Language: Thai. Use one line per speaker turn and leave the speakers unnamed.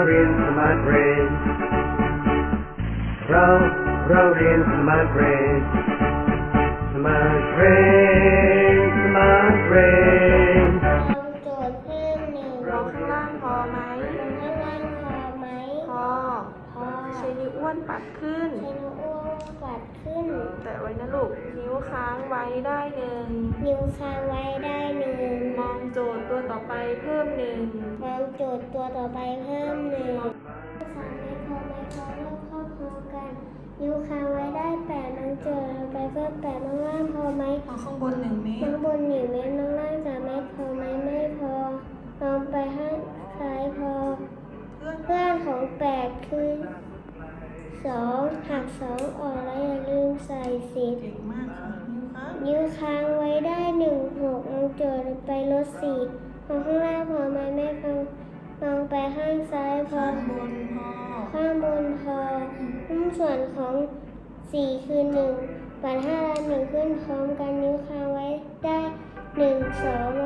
เรียนสมาร์ทเบรนเราเรียนสมาร์ทเบรนสมาร์ทเบรนสมาร์ทเบรน
ลองโจทย์เพิ่มหนึ่ง
ลองข้างล่างพอไหม
ลงข้างล่างพอไหม
พอ ใช้นิ้วอ้วนปัดขึ้น
ใช้นิ้วอ้วนปัดขึ้น
แตะไว้นะลูก นิ้วค้างไว้ได้หนึ่ง
นิ้วค้างไว้ได้หนึ่ง
มองโจทย์ตัวต่อไปเพิ่มหนึ่ง
มองโจทย์ตัวต่อไปเพิ่มหนึ่งสามไม่พอเริ่มครอบครัวกัน นิ้วค้างไว้ได้แปดน้องโจทย์ต่อไปเพิ่มแปดน้องล่างพอไหม
เอาข้างบน1 เมต
น้อ
ร
งบน1 เมตรน้องล่าง3 เมตรพอไหมไม่พอลองไปข้างซ้ายพอ เพื่อนของ8คือ2หัก2ออกแล้วอย่าลืมใส่10
เก่งมากค่ะ
นิ้วค้างไว้ได้1 6น้องโจทย์ไปลด4ของข้างล่างพอไหมไม่พอลองไปข้างซ้ายพอ
ข้างบนพอ
ข้างบนพอส่วนของ4คือ1ปัด5และ1ขึ้นพร้อมกันนิ้วค้างไว้ได้1 2